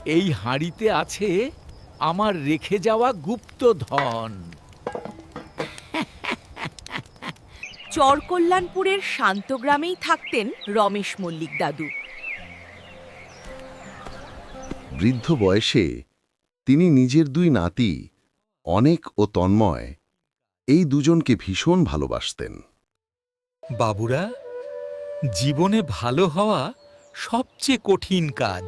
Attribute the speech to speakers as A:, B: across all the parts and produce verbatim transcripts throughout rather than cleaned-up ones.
A: এই হাঁড়িতে আছে আমার রেখে যাওয়া গুপ্ত ধন।
B: চরকল্যাণপুরের শান্তগ্রামেই থাকতেন রমেশ মল্লিক দাদু।
C: বৃদ্ধ বয়সে তিনি নিজের দুই নাতি অনেক ও তন্ময় এই দুজনকে ভীষণ ভালোবাসতেন।
A: বাবুরা, জীবনে ভালো হওয়া সবচেয়ে কঠিন কাজ।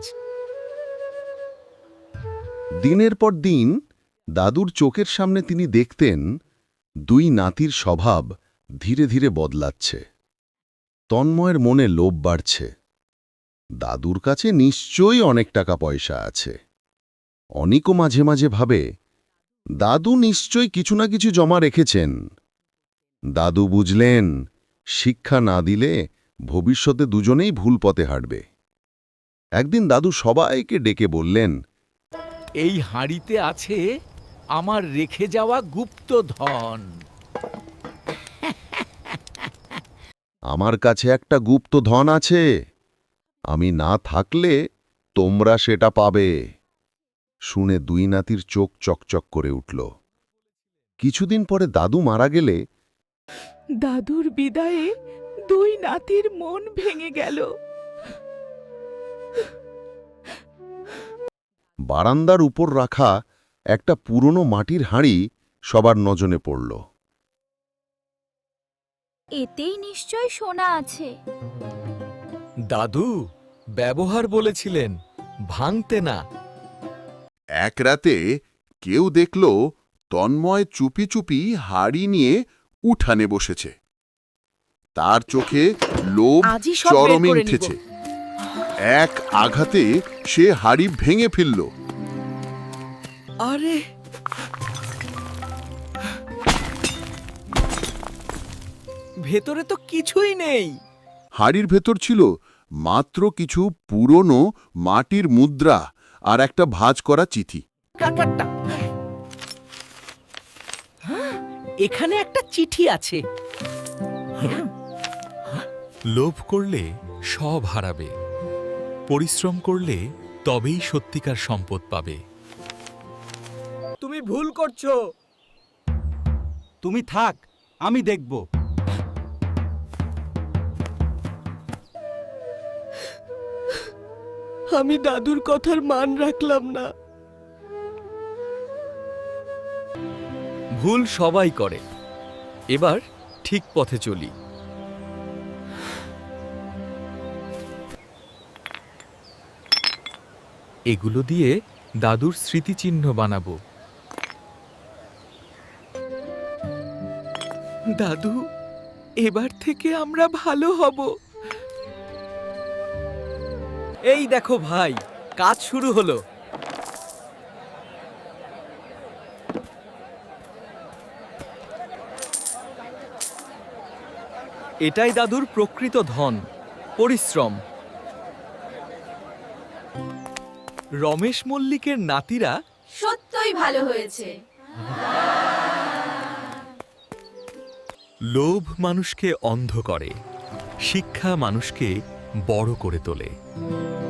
C: দিনের পর দিন দাদুর চোখের সামনে তিনি দেখতেন দুই নাতির স্বভাব ধীরে ধীরে বদলাচ্ছে। তন্ময়ের মনে লোভ বাড়ছে। দাদুর কাছে নিশ্চয়ই অনেক টাকা পয়সা আছে। অনিকও মাঝে মাঝে ভাবে দাদু নিশ্চয়ই কিছু না কিছু জমা রেখেছেন। দাদু বুঝলেন শিক্ষা না দিলে ভবিষ্যতে দুজনেই ভুল পথে হাঁটবে। একদিন দাদু সবাইকে ডেকে বললেন,
A: এই হাঁড়িতে আছে আমার রেখে যাওয়া গুপ্ত ধন।
C: আমার কাছে একটা গুপ্ত ধন আছে, আমি না থাকলে তোমরা সেটা পাবে। শুনে দুই নাতির চোখ চকচক করে উঠল। কিছুদিন পরে দাদু মারা গেলে
B: দাদুর বিদায়ে দুই নাতির মন ভেঙে গেল।
C: বারান্দার উপর রাখা একটা পুরনো মাটির হাঁড়ি সবার নজরে পড়ল।
D: এতেই নিশ্চয় সোনা আছে।
A: দাদু ব্যবহার বলেছিলেন, ভাঙতে না।
E: এক রাতে কেউ দেখল তন্ময় চুপি চুপি হাড়ি নিয়ে উঠানে বসেছে। তার চোখে লোভ
B: আজই সব বের
E: চরমে
B: করে নিব।
E: উঠেছে। এক আঘাতে সে হাড়ি ভেঙে ফেলল।
A: আরে, ভেতরে তো কিছুই নেই।
E: হাড়ির ভেতর ছিল মাত্র কিছু পুরনো মাটির মুদ্রা আর একটা ভাঁজ করা চিঠি।
A: কাকারটা, এখানে একটা চিঠি আছে।
F: লোভ করলে সব হারাবে, পরিশ্রম করলে তবেই সত্যিকার সম্পদ পাবে।
A: তুমি ভুল করছো। তুমি থাক, আমি দেখব।
B: আমি দাদুর কথার মান রাখলাম না।
A: ভুল সবাই করে, এবার ঠিক পথে চলি। এগুলো দিয়ে দাদুর স্মৃতিচিহ্ন বানাবো। দাদু, এবার থেকে আমরা ভালো হব। এই দেখো ভাই, কাজ শুরু হলো। এটাই দাদুর প্রকৃত ধন, পরিশ্রম। রমেশ মল্লিকের নাতিরা
D: সত্যই ভালো হয়েছে।
F: লোভ মানুষকে অন্ধ করে, শিক্ষা মানুষকে বড় করে তোলে।